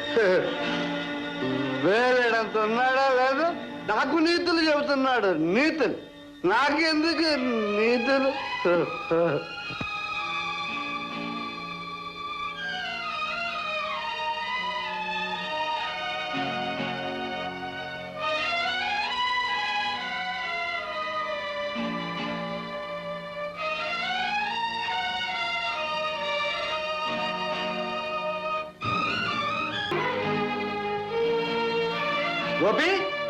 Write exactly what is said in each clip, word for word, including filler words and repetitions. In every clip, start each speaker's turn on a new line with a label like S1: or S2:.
S1: వేరేడంత ఉన్నాడా లేదు? నాకు నీతులు చెబుతున్నాడు. నీతులు నాకెందుకు నీతులు? గోపి,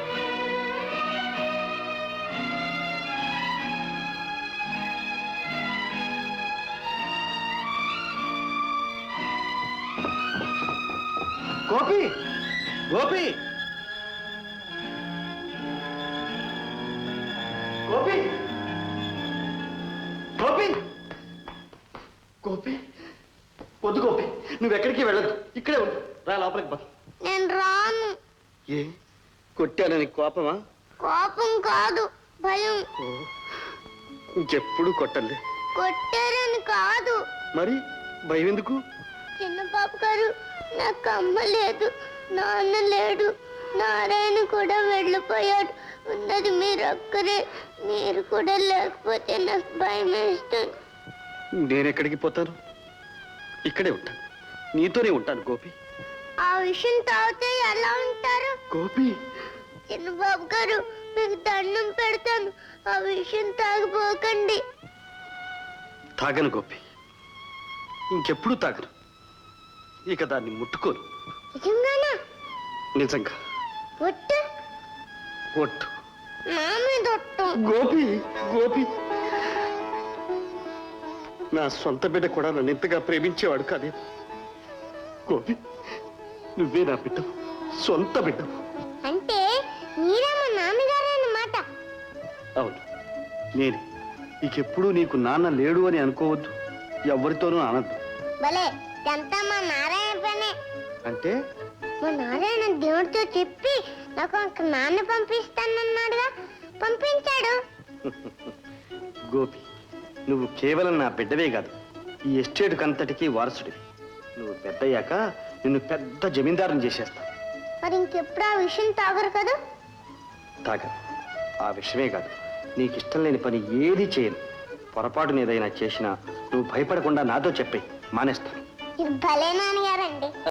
S1: గోపి, గోపి, గోపి, గోపి, గోపి, వద్దు గోపి, నువ్వెక్కడికి వెళ్ళదు, ఇక్కడే ఉండు. రా లోపలికి బా.
S2: నేను రాను.
S1: ఏ కొట్టానని కోపమా?
S2: కోపం కాదు, భయం.
S1: ఇంకెప్పుడు కొట్టలే.
S2: కొట్టారని కాదు.
S1: మరి భయం ఎందుకు?
S2: చిన్న పాప గారు, నాకు అమ్మ లేదు, నాన్న లేడు, నారాయణ కూడా వెళ్ళిపోయాడు. ఉన్నది మీరు ఒక్కరే. మీరు కూడా లేకపోతే నాకు భయం వేస్తుంది.
S1: నేనెక్కడికి పోతాను? ఇక్కడే ఉంటాను, నీతోనే ఉంటాను గోపి.
S2: ఆ విషయం తాగితే ఎలా ఉంటారు?
S1: గోపి,
S2: చిన్నబాబు గారు, మీకు దండం పెడతాను, ఆ విషయం తాగిపోకండి.
S1: తాగను గోపి, ఇంకెప్పుడు తాగను. ఇక దాన్ని ముట్టుకోను.
S2: నిజంగానా?
S1: నిజంగా.
S2: ఒట్టు?
S1: ఒట్టు.
S2: నా మీద ఒట్టు.
S1: గోపి, గోపి, నా సొంత బిడ్డ కూడా నన్ను ఇంతగా ప్రేమించేవాడు కాదే. గోపి, నువ్వే నా బిడ్డ, సొంత బిడ్డ.
S2: అంటే మీరే మా నాన్నగారు అన్నమాట.
S1: అవును, నేనే. ఇకెప్పుడు నీకు నాన్న లేడు అని అనుకోవద్దు, ఎవరితోనూ అనద్దు.
S2: భలే, ఇదంతా మా నారాయణ పనే.
S1: అంటే
S2: మా నారాయణ దేవుడితో చెప్పి నాకు ఒక నాన్న పంపిస్తానన్నాడుగా, పంపించాడు.
S1: గోపి, నువ్వు కేవలం నా బిడ్డవే కాదు, ఈ ఎస్టేట్ అంతటికీ వారసుడివి. నువ్వు పెద్దయ్యాక నిన్ను పెద్ద జమీందారుని చేసేస్తా.
S2: మరి ఇంకెప్పుడు ఆ విషయం తాగరు కదా?
S1: తాగ. ఆ విషయమే కాదు, నీకు ఇష్టం లేని పని ఏది చేయను. పొరపాటున ఏదైనా చేసినా నువ్వు భయపడకుండా నాతో చెప్పే, మానేస్తాను.
S2: ఇది భలే నాన్నగారండి.